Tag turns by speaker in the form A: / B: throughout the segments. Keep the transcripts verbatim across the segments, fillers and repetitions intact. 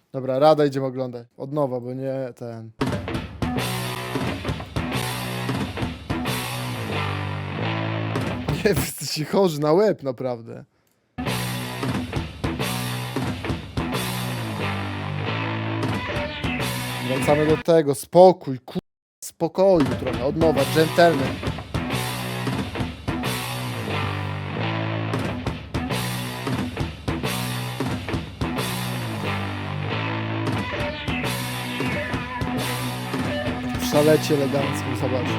A: Dobra, Rada idziemy oglądać. Od nowa, bo nie ten... Nie, wy jesteście chorzy na łeb, naprawdę. Wracamy do tego. Spokój, ku... Spokoju trochę. Od nowa, gentleman. W szalecie eleganckim, zobacz.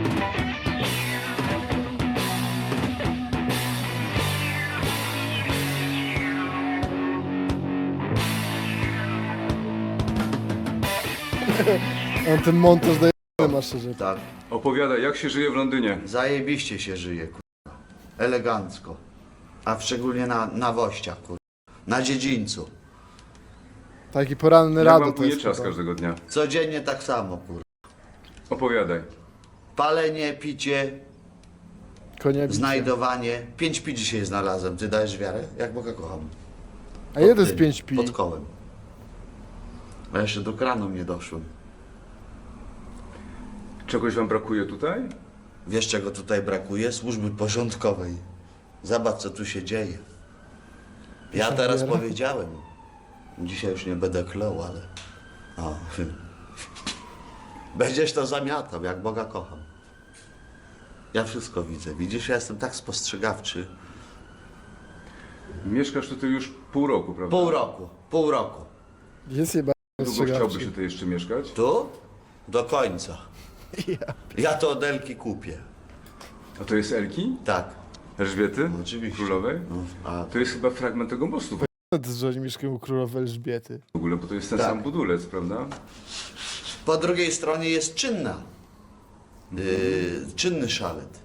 A: On ten montaż daje ma szczerze.
B: Tak,
C: Opowiadaj, jak się żyje w Londynie?
B: zajebiście się żyje, kurwa. Elegancko. A szczególnie na, na wościach, kurwa. Na dziedzińcu.
A: Taki poranny
C: Jak
A: Rado
C: wam
A: to
C: płynie
A: jest.
C: czas
A: chyba.
C: każdego dnia?
B: Codziennie tak samo, kurwa.
C: Opowiadaj.
B: Palenie, picie,
A: Konie bicie.
B: znajdowanie. Pięć pi dzisiaj znalazłem. Ty dajesz wiarę? Jak Boga kocham.
A: A ile to jest
B: Pod
A: pięć
B: tym,
A: pi?
B: Pod kołem. A jeszcze do kranu nie doszłem.
C: Czegoś wam brakuje tutaj?
B: Wiesz, czego tutaj brakuje? Służby porządkowej. Zobacz, co tu się dzieje. Ja teraz
A: Wiara?
B: powiedziałem. Dzisiaj już nie będę klął, ale... O. Będziesz to zamiatał, jak Boga kocham. Ja wszystko widzę. Widzisz, ja jestem tak spostrzegawczy.
C: Mieszkasz tutaj już pół roku, prawda?
B: Pół roku, pół roku.
A: Jest chyba
C: Długo chciałbyś tutaj jeszcze mieszkać?
B: Tu? Do końca. Ja to od Elki kupię.
C: A to jest Elki?
B: Tak.
C: Elżbiety?
B: Oczywiście.
C: Królowej?
B: No, a
C: To jest chyba fragment tego mostu
A: że oni mieszkają u królowej Elżbiety.
C: w ogóle, bo to jest ten
B: Tak.
C: sam budulec, prawda?
B: po drugiej stronie jest czynna. Yy, czynny szalet.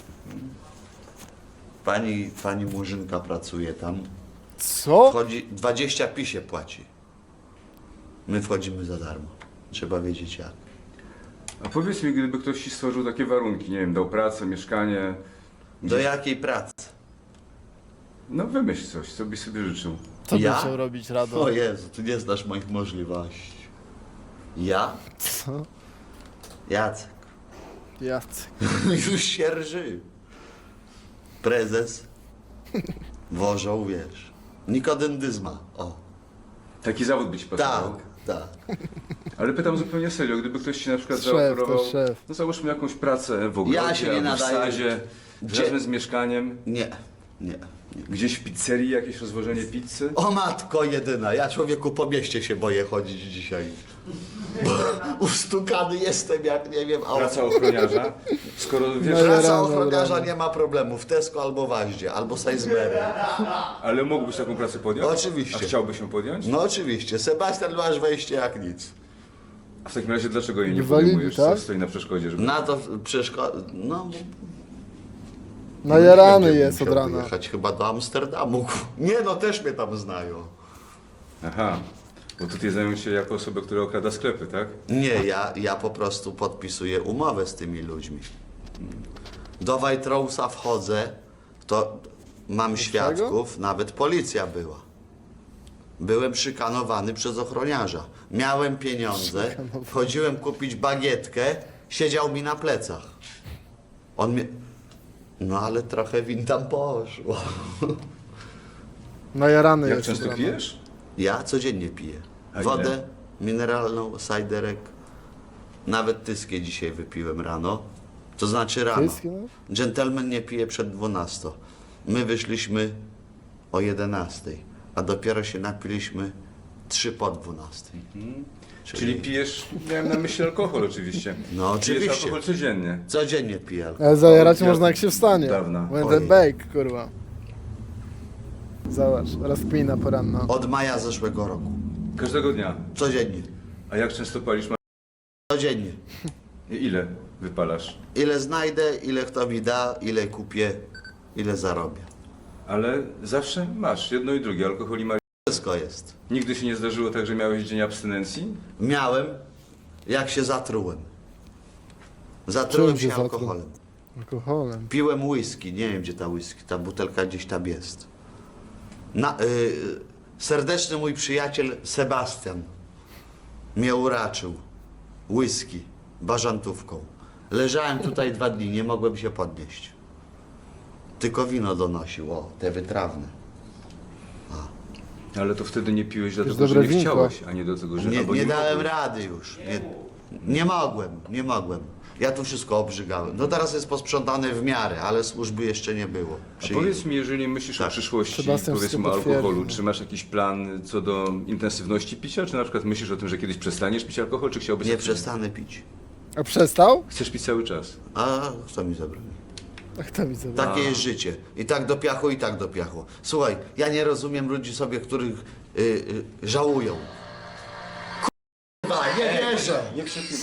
B: Pani, pani Murzynka pracuje tam.
A: Co?
B: Wchodzi, dwadzieścia pi się płaci. My wchodzimy za darmo. Trzeba wiedzieć jak.
C: A powiedz mi, gdyby ktoś ci stworzył takie warunki, nie wiem, dał pracę, mieszkanie,
B: Do jakiej pracy?
C: no wymyśl coś, co byś sobie życzył.
A: Co
B: Ja?
A: by chciał robić Rado?
B: O Jezu, ty nie znasz moich możliwości. Ja?
A: Co?
B: Jacek.
A: Jacek.
B: Już się rży. Prezes. Wożą, wiesz. Nikodendyzma. O.
C: Taki zawód by ci pasował.
B: Tak, tak.
C: Ale pytam zupełnie serio, gdyby ktoś ci na przykład
A: Szef,
C: zaoferował,
A: to szef.
C: no załóżmy jakąś pracę w ogrodzie
B: Ja się nie
C: albo w
B: nadaję.
C: sadzie,
B: Gdzie-
C: razem z mieszkaniem,
B: Nie, nie, nie.
C: gdzieś w pizzerii jakieś rozwożenie pizzy.
B: O matko jedyna, ja człowieku po mieście się boję chodzić dzisiaj. Bo ustukany jestem jak nie wiem, a
C: Praca ochroniarza, skoro wiesz,
A: No,
B: praca
A: rano,
B: ochroniarza
A: rano.
B: nie ma problemu w Tesco albo w Aździe, albo Sainsbury.
C: ale mógłbyś taką pracę podjąć?
B: Oczywiście.
C: A chciałbyś ją podjąć?
B: No oczywiście, Sebastian masz wejście jak nic.
C: A w takim razie dlaczego jej nie
A: Nie walili,
C: podejmujesz?
A: tak?
C: Co stoi na przeszkodzie, żeby...
B: Na to przeszkoda, no...
A: Najarany
B: nie wiem,
A: jest od
B: musiał
A: rana.
B: jechać chyba do Amsterdamu. Nie no, też mnie tam znają.
C: Aha, bo tutaj zajmują się jako osoba, która okrada sklepy, tak?
B: Nie, ja, ja po prostu podpisuję umowę z tymi ludźmi. Do Waitrowsa wchodzę, to mam świadków, nawet policja była. Byłem szykanowany przez ochroniarza. Miałem pieniądze, wchodziłem kupić bagietkę, siedział mi na plecach. On mnie... No ale trochę win tam poszło.
A: Najarany
C: Jak
A: jest od
C: często
A: rana.
C: pijesz?
B: Ja codziennie piję.
C: A
B: Wodę
C: ile?
B: mineralną, sajderek. Nawet tyskie dzisiaj wypiłem rano. To znaczy rano.
A: Tyskie, no?
B: Dżentelmen nie pije przed dwunastą. My wyszliśmy o jedenastej, a dopiero się napiliśmy trzy po dwunastej.
C: Czyli pijesz, miałem na myśli alkohol oczywiście.
B: No,
C: Pijesz
B: oczywiście.
C: alkohol codziennie.
B: Codziennie piję alkohol.
A: Ale zajarać
C: Ja-
A: można jak się wstanie.
C: Dawna.
A: When
B: Ojej.
A: the bake, kurwa. Zobacz, rozkmina poranna.
B: Od maja zeszłego roku.
C: Każdego dnia.
B: Codziennie.
C: A jak często palisz?
B: Codziennie.
C: I ile wypalasz?
B: Ile znajdę, ile kto mi da, ile kupię, ile zarobię.
C: Ale zawsze masz jedno i drugie, alkohol i marihuana.
B: Wszystko jest.
C: Nigdy się nie zdarzyło tak, że miałeś dzień abstynencji?
B: Miałem, jak się zatrułem. Zatrułem
A: Czym się
B: się
A: zatruł?
B: alkoholem.
A: Alkoholem.
B: Piłem whisky, nie wiem gdzie ta whisky, ta butelka gdzieś tam jest. Na, y, Serdeczny mój przyjaciel Sebastian mnie uraczył. Whisky, bażantówką. Leżałem tutaj dwa dni, nie mogłem się podnieść. Tylko wino donosił, o, te wytrawne.
C: Ale to wtedy nie piłeś dlatego, że
A: dobre
C: nie
A: winko.
C: chciałeś, a nie do tego, że
B: Nie,
C: albo
B: nie dałem
C: mogłeś.
B: rady już. Nie, nie mogłem, nie mogłem. Ja tu wszystko obrzygałem. No teraz jest posprzątane w miarę, ale służby jeszcze nie było.
C: A
B: Przyjdzie.
C: powiedz mi, jeżeli myślisz o
B: Tak.
C: przyszłości,
A: Sebastian
C: powiedzmy
A: wszystko
C: o alkoholu,
A: potwierdzi.
C: czy masz jakiś plan co do intensywności picia, czy na przykład myślisz o tym, że kiedyś przestaniesz pić alkohol, czy chciałbyś...
B: Nie przestanę pić.
A: A przestał?
C: Chcesz pić cały czas.
B: A kto mi zabroni?
A: Ach, to mi zabrał.
B: Takie jest życie. I tak do piachu, i tak do piachu. Słuchaj, ja nie rozumiem ludzi sobie, których y, y, żałują. Kurwa, nie wierzę!
C: Nie krzyknij.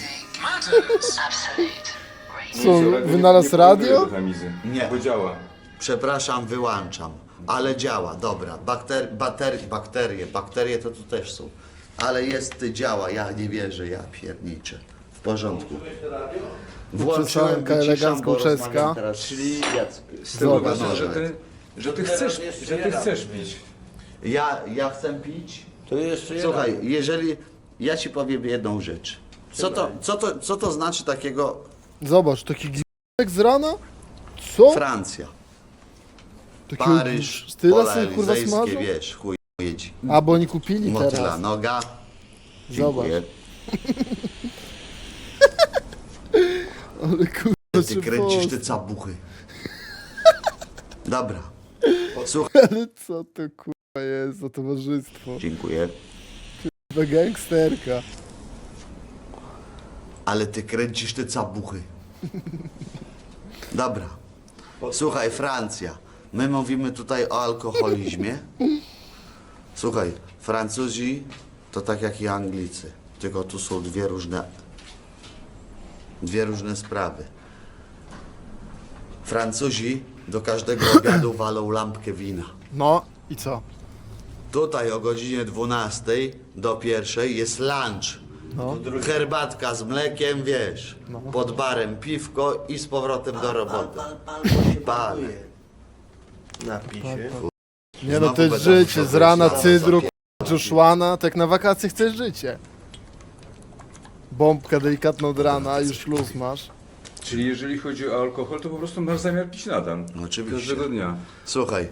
A: Co, wynalazł radio?
B: Nie.
C: Bo działa.
B: Przepraszam, wyłączam. Ale działa, dobra. Bakter, bater, bakterie, bakterie to tu też są. Ale jest, działa, ja nie wierzę, ja pierniczę. W porządku. Włączyłem,
A: Przesanka
B: wyciszam,
A: elegancko
B: bo
A: czeska.
B: rozmawiam teraz Czyli
C: Z tego
A: Zobacz.
C: wynika, że ty, że ty chcesz, że ty chcesz pić.
B: Ja, ja chcę pić.
D: To jeszcze jeden.
B: Słuchaj, jeżeli ja ci powiem jedną rzecz. Co to, co to, co to znaczy takiego
A: Zobacz, taki g***ek z rana? Co?
B: Francja,
A: Takiego
B: Paryż,
A: Tyle
B: pola
A: sobie kurwa
B: elizejskie,
A: smażą?
B: wiesz, chuj jedzi.
A: A, bo oni kupili
B: Motyla
A: teraz.
B: noga.
A: Zobacz.
B: Dziękuję.
A: Ale kurwa,
B: Ty
A: czy
B: kręcisz
A: post-
B: te cabuchy. Dobra. Słuchaj.
A: Ale co to kurwa jest za towarzystwo?
B: Dziękuję.
A: Kurwa gangsterka.
B: Ale ty kręcisz te cabuchy. Dobra. Słuchaj, Francja. My mówimy tutaj o alkoholizmie. Słuchaj, Francuzi to tak jak i Anglicy. Tylko tu są dwie różne, dwie różne sprawy. Francuzi do każdego obiadu walą lampkę wina.
A: No i co?
B: Tutaj o godzinie dwunastej do pierwszej jest lunch.
A: No.
B: Herbatka z mlekiem, wiesz, pod barem piwko i z powrotem do roboty.
D: Pal, pal, bo się
B: Pal.
D: pakuje. Napij się.
A: Nie no,
B: Znowu
A: to jest
B: będę
A: życie,
B: musiał
A: z rana
B: wyjść na
A: cydru,
B: zapier-
A: k***a, Joshłana, tak na wakacje chcesz życie. Bombka delikatna od rana, już luz masz.
C: Czyli jeżeli chodzi o alkohol, to po prostu masz zamiar pić nadal.
B: No oczywiście.
C: Każdego dnia.
B: Słuchaj.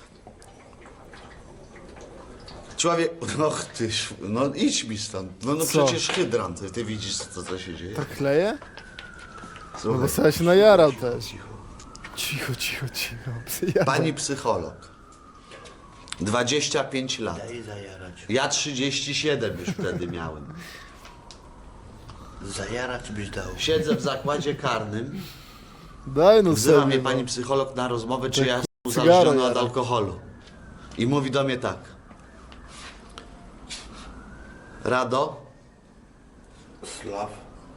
B: Człowiek, no ty, sz- no idź mi stąd. No, no
A: Co?
B: przecież hydrant, ty, ty widzisz co, co się dzieje.
A: Tak kleje? No
B: Słuchaj,
A: bo sobie się najarał też. Cicho, cicho, cicho. Psyjada.
B: pani psycholog. dwadzieścia pięć lat.
D: Daj zajarać.
B: Ja trzydzieści siedem już wtedy miałem.
D: Zajarać byś dał.
B: Siedzę w zakładzie karnym.
A: Daj no
B: Wzywa
A: sobie.
B: mnie
A: no.
B: pani psycholog na rozmowę, czy ja jestem
A: cygaro
B: uzależniony od
A: jara.
B: alkoholu. I mówi do mnie tak. Rado,
D: Slaw.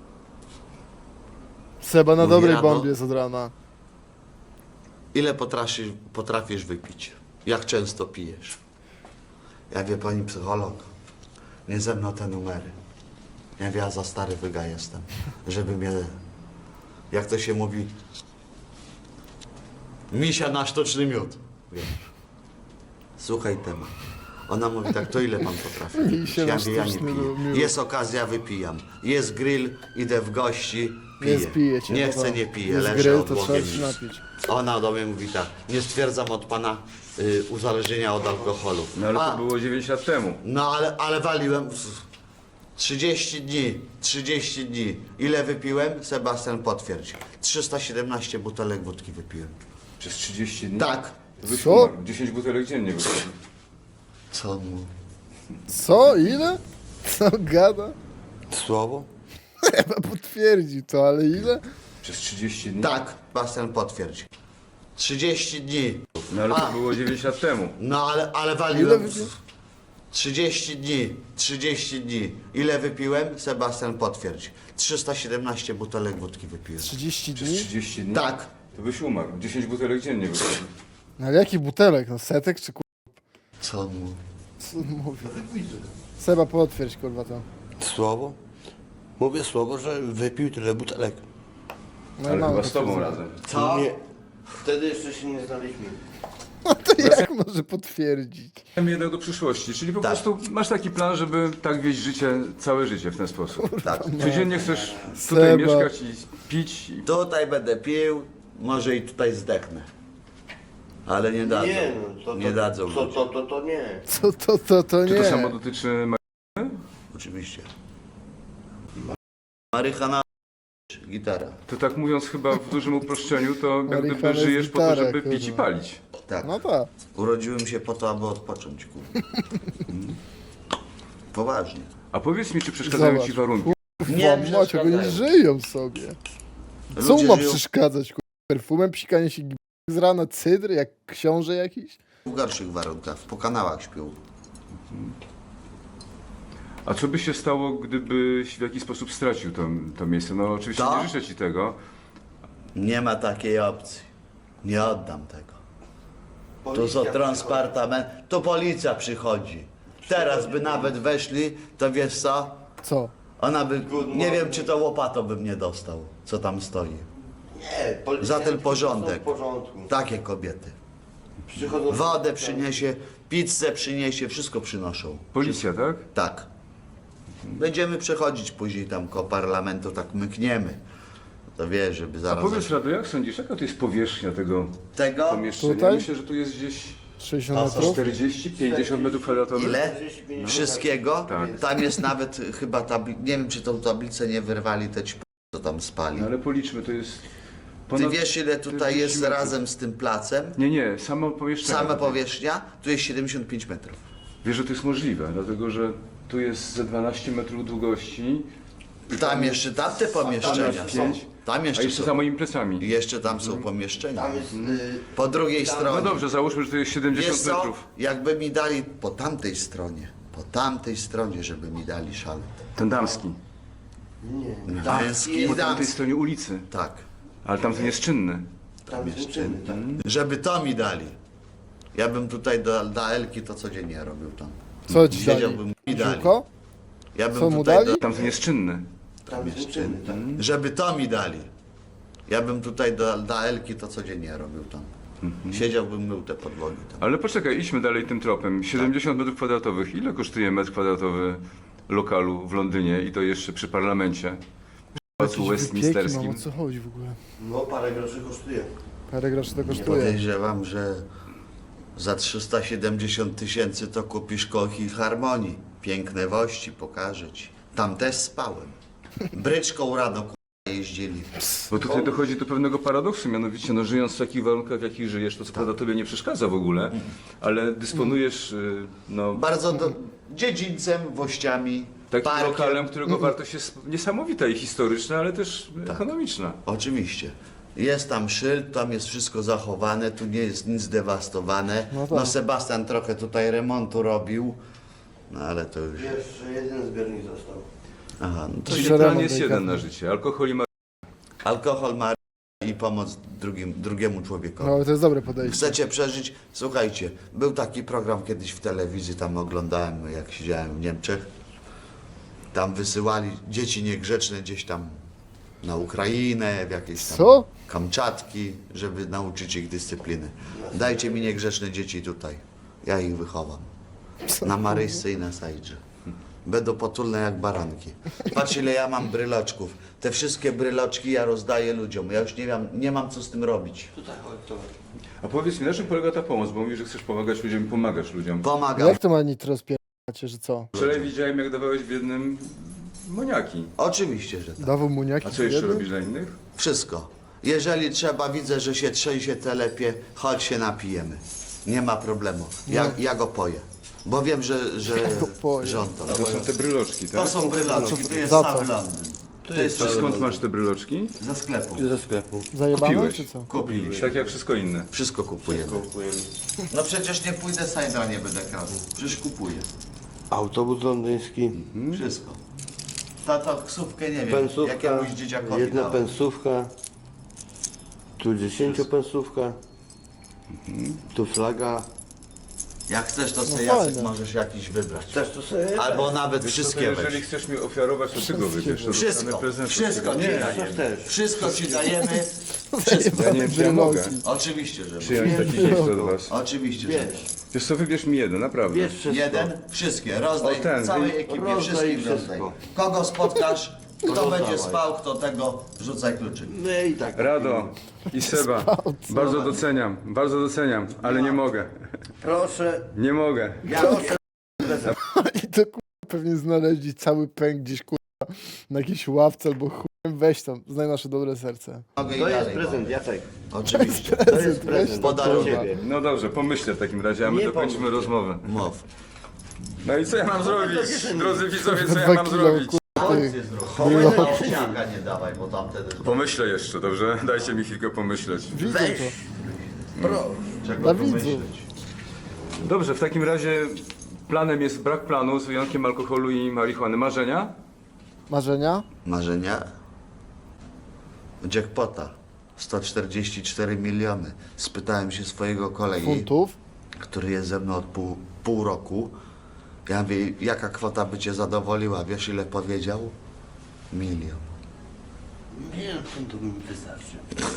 A: Seba na
B: Mówi
A: dobrej
B: rano.
A: bombie jest od rana.
B: ile potrafisz, potrafisz wypić? Jak często pijesz? Ja wie pani psycholog, nie ze mną te numery. Ja wie, ja za stary wyga jestem, żeby mnie, jak to się mówi, misia na sztuczny miód. Wiesz. Słuchaj temat. Ona mówi tak, to ile pan potrafi?
A: Misia na
B: Ja wie, ja nie
A: sztuczny
B: piję.
A: miód.
B: Jest okazja, wypijam. Jest grill, idę w gości, piję.
A: Nie spijecie.
B: Nie
A: no
B: chcę,
A: to
B: nie piję,
A: jest
B: leżę
A: grill, to trzeba
B: odłogiem.
A: się napić.
B: Ona do mnie mówi tak, nie stwierdzam od pana y, uzależnienia od alkoholu.
C: No ale
B: A,
C: to było dziewięć lat temu.
B: no ale, ale waliłem w- trzydzieści dni, trzydzieści dni. Ile wypiłem? Sebastian potwierdzi. trzysta siedemnaście butelek wódki wypiłem.
C: Przez trzydzieści dni?
B: Tak.
C: To byś
A: Co?
C: umarł. dziesięć butelek dziennie wypił.
B: Co on mówi?
A: Co? Ile? Co gada?
D: Słowo?
A: Chyba potwierdzi to, ale ile?
C: Przez trzydzieści dni?
B: Tak, Sebastian potwierdzi. trzydzieści dni.
C: No ale to
B: A.
C: było dziewięć lat temu.
B: No ale, ale
A: Ile
B: waliłem
A: wypił?
B: w- trzydzieści dni, trzydzieści dni. Ile wypiłem? Sebastian potwierdzi. trzysta siedemnaście butelek wódki wypiłem.
A: trzydzieści
C: Przez
A: dni?
C: trzydzieści dni?
B: Tak.
C: To byś umarł. dziesięć butelek dziennie wypił.
A: No ale jaki butelek? No setek czy kur...
B: Co on mówi?
A: Co on mówi? Seba potwierdź kurwa to.
D: Słowo? Mówię słowo, że wypił tyle butelek.
A: No,
C: Ale
A: mamy
C: chyba z tobą
A: potwierdzenie.
C: razem.
B: Co?
D: Nie. Wtedy jeszcze się nie znaliśmy.
A: No to jak może potwierdzić?
C: Mam jednak do przyszłości, czyli po
B: Tak.
C: prostu masz taki plan, żeby tak wieść życie, całe życie w ten sposób.
B: Tak.
C: Codziennie chcesz tutaj
A: Seba.
C: mieszkać i pić. I...
B: Tutaj będę pił, może i tutaj zdechnę. Ale nie dadzą.
D: Nie, no, to, to,
B: nie dadzą.
D: To,
B: ludzie.
D: to, to, to nie.
A: Co to, to, to
C: Czy
A: nie.
C: to samo dotyczy ma-
B: Oczywiście. Marychana, gitara.
C: To tak mówiąc chyba w dużym uproszczeniu, to jak
A: Marihuana
C: gdyby
A: jest
C: żyjesz po to,
A: gitara,
C: żeby pić i
A: kurwa.
C: palić.
B: Tak.
A: No tak.
B: Urodziłem się po to, aby odpocząć, kurwa. Mm. Poważnie.
C: A powiedz mi, czy przeszkadzają
A: Zobacz,
C: ci warunki?
B: Nie
A: Kurwa, macie, oni
B: przeszkadzają.
A: żyją sobie. Co
B: Ludzie
A: mu ma
B: żyją
A: przeszkadzać? Kurwa? Perfumem, psikanie się z rana, cydr, jak książę jakiś?
B: w gorszych warunkach, po kanałach śpią.
C: A co by się stało, gdybyś w jakiś sposób stracił to, to miejsce? No oczywiście
B: To?
C: nie życzę ci tego.
B: Nie ma takiej opcji. Nie oddam tego. Tu są
D: Policja
B: transpartament, to policja przychodzi. Teraz by nawet weszli, to wiesz co?
A: Co?
B: Ona by,
D: Good
B: nie
D: morning.
B: wiem czy to łopatą bym nie dostał, co tam stoi.
D: Nie, policjanci
B: Za ten
D: są
B: porządek.
D: w porządku.
B: Takie kobiety.
D: Przychodzą
B: Wodę przyniesie, pizzę przyniesie, wszystko przynoszą.
C: Policja, tak?
B: Tak. Będziemy przechodzić później tam koło parlamentu, tak mykniemy. To wiesz, żeby
C: A
B: zaraz...
C: powiedz Rado, jak sądzisz, jaka to jest powierzchnia tego
B: Tego?
C: pomieszczenia?
A: Tutaj?
C: Myślę, że tu jest gdzieś
A: sześćdziesiąt
B: A co,
A: metrów?
C: czterdzieści pięćdziesiąt metrów kwadratowych.
B: Ile?
D: czterdzieści, pięćdziesiąt.
B: Wszystkiego?
C: Tak.
B: Tam jest nawet chyba tabli... Nie wiem, czy tą tablicę nie wyrwali te ćp... co tam spali.
C: No ale policzmy, to jest
B: Ty
C: ponad
B: wiesz, ile tutaj
C: czterdzieści
B: jest
C: metrów.
B: razem z tym placem?
C: Nie, nie, samo pomieszczenie.
B: Sama powierzchnia? Tu jest siedemdziesiąt pięć metrów.
C: Wiesz, że to jest możliwe, dlatego że tu jest ze dwanaście metrów długości.
B: Tam jeszcze tamte pomieszczenia są.
C: pięć.
B: Tam
C: A
B: jeszcze
C: jeszcze
B: są.
C: za moimi plecami.
B: I jeszcze tam są pomieszczenia.
D: Tam jest... Y,
B: Po drugiej
C: No
B: stronie.
C: dobrze, załóżmy, że to jest
B: Wiesz
C: siedemdziesiąt
B: co?
C: metrów.
B: Jakby mi dali po tamtej stronie, po tamtej stronie, żeby mi dali szalet.
C: Ten damski.
D: nie,
B: Męski i
C: Po tamtej
B: damski.
C: stronie ulicy.
B: Tak.
C: Ale tamten jest czynny.
D: tam jest czynny, tak.
B: Żeby to mi dali. Ja bym tutaj do, do Elki to codziennie robił tam.
A: Co ci dali?
B: Siedziałbym i dali.
A: Ziółko?
B: Ja bym
A: Co mu
B: tutaj
A: dali?
B: do,
C: Tamten jest czynny.
D: Tam jest czynny, tak.
B: żeby to mi dali. Ja bym tutaj do, do Elki to codziennie robił tam. Siedziałbym, mył te podłogi tam.
C: Ale poczekaj, idźmy dalej tym tropem. siedemdziesiąt metrów kwadratowych. Ile kosztuje metr kwadratowy lokalu w Londynie i to jeszcze przy parlamencie? W Pałacu
A: Jakieś wypieki mam,
C: Westminsterskim.
A: o co chodzi w ogóle?
D: No parę groszy kosztuje.
A: Parę groszy to kosztuje.
B: Podejrzewam, że za trzysta siedemdziesiąt tysięcy to kupisz koło Harmonii. Piękne wości, pokażę ci. Tam też spałem. Bryczką rano k***a, jeździli.
C: Bo tutaj dochodzi do pewnego paradoksu, mianowicie no, żyjąc w takich warunkach, w jakich żyjesz, to co prawda tobie nie przeszkadza w ogóle, ale dysponujesz y, no,
B: Bardzo do, dziedzińcem, wościami,
C: takim
B: parkiem.
C: lokalem, którego wartość jest niesamowita i historyczna, ale też
B: Tak.
C: ekonomiczna.
B: Oczywiście. Jest tam szyld, tam jest wszystko zachowane, tu nie jest nic zdewastowane.
A: No
B: No,
A: tak.
B: Sebastian trochę tutaj remontu robił, no ale to już...
D: Jeszcze jeden zbiornik został.
B: Aha, no to
C: Czyli
A: Jeszcze
C: plan
A: remont
C: jest
A: delikatny.
C: jeden na życie, alkohol i ma...
B: alkohol ma i pomoc drugim, drugiemu człowiekowi.
A: No, ale to jest dobre podejście.
B: Chcecie przeżyć? Słuchajcie, był taki program kiedyś w telewizji, tam oglądałem, jak siedziałem w Niemczech. Tam wysyłali dzieci niegrzeczne gdzieś tam na Ukrainę, w jakieś tam
A: Co?
B: Kamczatki, żeby nauczyć ich dyscypliny. Dajcie mi niegrzeczne dzieci tutaj. Ja ich wychowam. Na Maryjsce i na Sajdrze. Będą potulne jak baranki. Patrz ile ja mam bryloczków. Te wszystkie bryloczki ja rozdaję ludziom. Ja już nie mam, nie mam co z tym robić.
D: Tutaj chodź, to.
C: A powiedz mi, na czym polega ta pomoc? Bo mówisz, że chcesz pomagać ludziom i pomagasz ludziom.
B: Pomagam.
A: Jak to ma nitro spieracie, że co?
C: Wczoraj widziałem, jak dawałeś biednym moniaki.
B: Oczywiście, że tak.
A: Dawał muniaki?
C: A co jeszcze
A: jednym?
C: robisz dla innych?
B: Wszystko. Jeżeli trzeba, widzę, że się trzęsie telepie, chodź się napijemy. Nie ma problemu. Ja, ja go poję. Bo wiem, że, że,
A: go poję.
B: że on to
C: To są te bryloczki,
B: To
C: tak?
B: są bryloczki, to jest
A: Za
B: cały
A: co?
B: Londyn. To jest
C: A
B: cały
C: skąd
B: Londyn.
C: masz te bryloczki?
B: Ze sklepu.
D: Ze sklepu.
A: Zajebane
C: Kupiłeś.
A: czy co?
B: Kupiliśmy.
C: Tak jak wszystko inne.
B: Wszystko kupujemy.
D: Kupujemy.
B: No przecież nie pójdę Sajdra, nie będę kradł. Przecież kupuję.
D: Autobus londyński,
B: Wszystko. Ta taksówkę, nie wiem,
D: pensówka,
B: jakiemuś dzieciakowi
D: jedna
B: dałem.
D: pensówka, tu dziesięciopensówka, tu flaga.
B: Jak chcesz, to sobie
A: No
B: Jacek
A: fajne.
B: możesz jakiś wybrać.
D: Też to sobie
B: Albo nawet
C: Wiesz co,
B: wszystkie
C: to jeżeli
B: weź.
C: chcesz mi ofiarować, to ty go wybierz. To
B: Wszystko,
C: dostanę prezent od
B: wszystko
C: ciebie.
B: ci
C: Nie,
B: dajemy.
D: też.
B: Wszystko ci dajemy. Wszystko.
C: Ja nie wiem, czy ja mogę
B: Oczywiście, że
C: przyjąć
B: mogę.
C: taki gest od was.
B: Oczywiście, że mogę.
D: Wiesz,
C: Wiesz co, wybierz mi jeden, naprawdę.
D: wiesz wszystko.
B: Jeden, wszystkie, rozdaj
C: O, ten,
B: całej
C: wy-
B: ekipie,
D: rozdaj
B: wszystkim
D: wszystko.
B: rozdaj. Kogo spotkasz, kto
D: Rozdawaj.
B: będzie spał, kto tego, rzucaj kluczyk.
D: No i tak.
C: Rado i Seba, bardzo doceniam, bardzo doceniam, ale nie mogę.
D: Proszę,
C: Nie mogę.
B: Ja
A: I to kurwa pewnie znaleźli cały pęk gdzieś kurwa na jakiejś ławce albo chujem. Weź tam, znaj nasze dobre serce.
B: mogę i
D: to jest
B: dalej
D: prezent,
B: mogę.
D: Jacek.
B: Oczywiście.
D: To jest
A: Weź
D: prezent.
A: to,
B: Podaruję.
D: Dla ciebie.
C: No dobrze, pomyślę w takim razie, a my
D: Nie
C: dokończymy
D: pomyśl.
C: rozmowę.
B: Mów.
C: No i co ja mam zrobić? Drodzy widzowie, co ja
A: Dwa
C: mam
A: kilo
C: zrobić?
A: kurwa tych.
B: Chowaj na owsiaka nie dawaj, bo tam wtedy...
C: Pomyślę jeszcze, dobrze? Dajcie mi chwilkę pomyśleć.
A: Widzę
B: Weź.
A: to.
D: Proszę.
B: Czego
A: Dla
B: tu
A: widzów.
B: myśleć?
C: Dobrze, w takim razie planem jest brak planu z wyjątkiem alkoholu i marihuany. Marzenia?
A: Marzenia?
B: Marzenia? Jackpota. sto czterdzieści cztery miliony. Spytałem się swojego kolegi,
A: Funtów?
B: który jest ze mną od pół, pół roku. Ja mówię, jaka kwota by cię zadowoliła? Wiesz, ile powiedział? Milion.
D: Milion funtów mi wystarczy.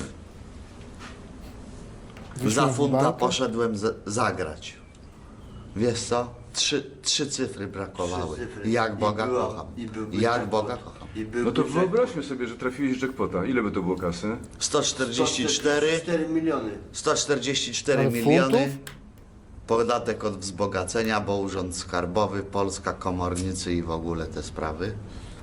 B: Za
A: z
B: funta
A: banku?
B: poszedłem z, zagrać. Wiesz co? Trzy, trzy cyfry brakowały.
D: Trzy cyfry.
B: Jak
D: I
B: Boga
D: była-
B: kocham.
D: i byłby
B: Jak
D: jackpot.
B: Boga kocham.
D: I byłby
C: No to
D: jackpot.
C: wyobraźmy sobie, że trafiłeś jackpota. Ile by to było kasy?
B: sto czterdzieści cztery,
D: cztery miliony.
B: sto czterdzieści cztery
A: Ale
B: miliony.
A: funtów?
B: Podatek od wzbogacenia, bo Urząd Skarbowy, Polska, komornicy i w ogóle te sprawy.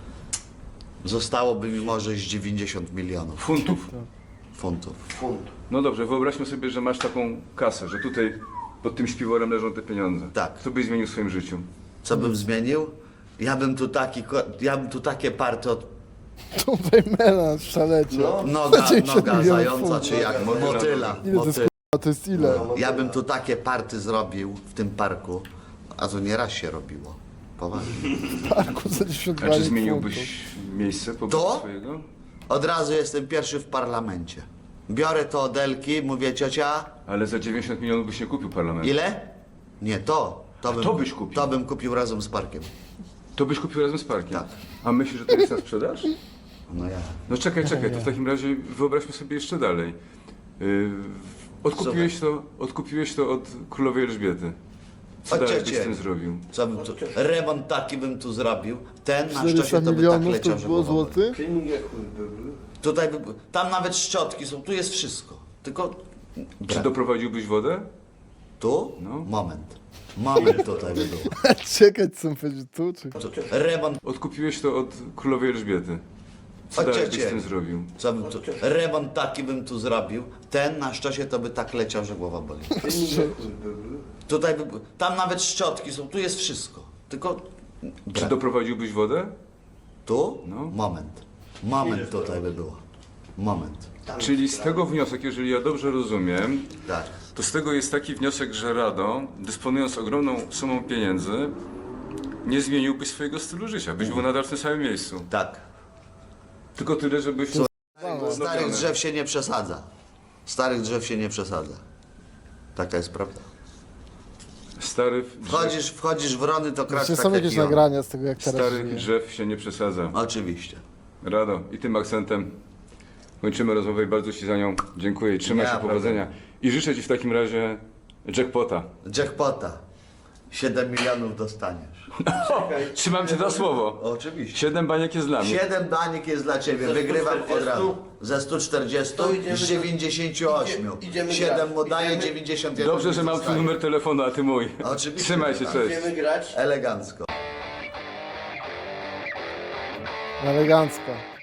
B: Zostałoby mi może z dziewięćdziesiąt milionów
C: Funtów.
B: funtów.
D: Funt.
C: No dobrze, wyobraźmy sobie, że masz taką kasę, że tutaj pod tym śpiworem leżą te pieniądze.
B: Tak.
C: Co byś zmienił w swoim życiu?
B: Co bym zmienił? Ja bym tu taki, ko- ja bym tu takie party od
A: Tutaj melanż w szalecie.
D: No.
B: noga,
A: dziewięćdziesiąt
B: noga
A: milionów
B: zająca,
A: funtów.
B: czy jak
C: Motyla.
B: motyla.
A: Ile to jest
B: motyla.
A: kurwa? To jest ile?
B: Ja bym tu takie party zrobił w tym parku, a to nieraz się robiło. Poważnie.
A: Parku za dziesiąt
C: A czy zmieniłbyś miejsce pobytu
B: To?
C: swojego?
B: Od razu jestem pierwszy w parlamencie. Biorę to od Elki, mówię ciocia,
C: Ale za dziewięćdziesiąt milionów byś nie kupił parlamentu.
B: ile? Nie, to. To bym,
C: to byś kupił?
B: To bym kupił razem z parkiem.
C: To byś kupił razem z parkiem?
B: Tak.
C: A myślisz, że to jest na sprzedaż?
B: No ja.
C: No czekaj, czekaj, to w takim razie wyobraźmy sobie jeszcze dalej. Yy, odkupiłeś, to, odkupiłeś to od królowej Elżbiety. Co
B: Od
C: dalej byś
B: cioci.
C: z tym zrobił?
B: Co bym tu, remont taki bym tu zrobił. Ten na
A: czterysta
B: szczęście to by tak
A: milionów
B: leciał,
A: to
B: że
A: było
B: głowa boli.
A: złotych?
D: Filmik jak chuj byłby.
B: Tutaj by, tam nawet szczotki są, tu jest wszystko. Tylko
C: Czy
B: brak.
C: doprowadziłbyś wodę?
B: Tu?
C: No.
B: Moment. Moment tutaj by było.
A: Czekać, co on powiedział tu, czy...
B: Tu, remont,
C: Odkupiłeś to od królowej Elżbiety. Co
B: Od
C: dalej
B: cioci.
C: byś z tym zrobił?
B: co bym tu, remont taki bym tu zrobił. Ten na szczęście to by tak leciał, że głowa boli.
D: Filmik jak chuj byłby.
B: Tutaj by, tam nawet szczotki są, tu jest wszystko. Tylko
C: Czy
B: brak.
C: doprowadziłbyś wodę?
B: Tu?
C: No.
B: Moment. Moment tutaj by było. Moment.
D: Tam
C: Czyli z
D: sprawa.
C: tego wniosek, jeżeli ja dobrze rozumiem,
B: Tak.
C: to z tego jest taki wniosek, że Rado, dysponując ogromną sumą pieniędzy, nie zmieniłbyś swojego stylu życia. Byś był nadal w tym samym miejscu.
B: Tak.
C: Tylko tyle, żebyś...
B: Starych drzew się nie przesadza. Starych drzew się nie przesadza. Taka jest prawda.
C: Stary
B: Wchodzisz, wchodzisz w rony, to kracz
A: Czy
B: tak
A: są
B: jak
A: jakieś
B: i on.
A: nagrania z tego, jak teraz
C: Starych
A: żyje?
C: drzew się nie przesadza.
B: Oczywiście.
C: Rado, i tym akcentem kończymy rozmowę i bardzo Ci za nią dziękuję i trzymaj
B: Ja,
C: się,
B: prawda.
C: powodzenia. I życzę Ci w takim razie jackpota.
B: Jackpota. siedem milionów dostaniesz.
C: Trzymam Cię za słowo.
B: Oczywiście.
C: Siedem baniek jest dla mnie.
B: siedem danik jest dla ciebie.
D: Ze
B: Wygrywam
D: sto
B: od
D: czterdziestu?
B: razu. Ze stu czterdziestu
D: To idziemy
B: z
D: do-
B: dziewięćdziesięciu ośmiu.
D: Idzie- idziemy
B: siedem
D: grać.
B: mu daje,
D: Idziemy-
B: dziewięćdziesiąt jeden
C: Dobrze, że mam Twój
B: zostaje.
C: numer telefonu, a Ty mój.
B: Oczywiście,
C: Trzymaj
B: że
C: się,
B: tak.
C: cześć.
D: Będziemy grać.
B: Elegancko.
A: Elegancko.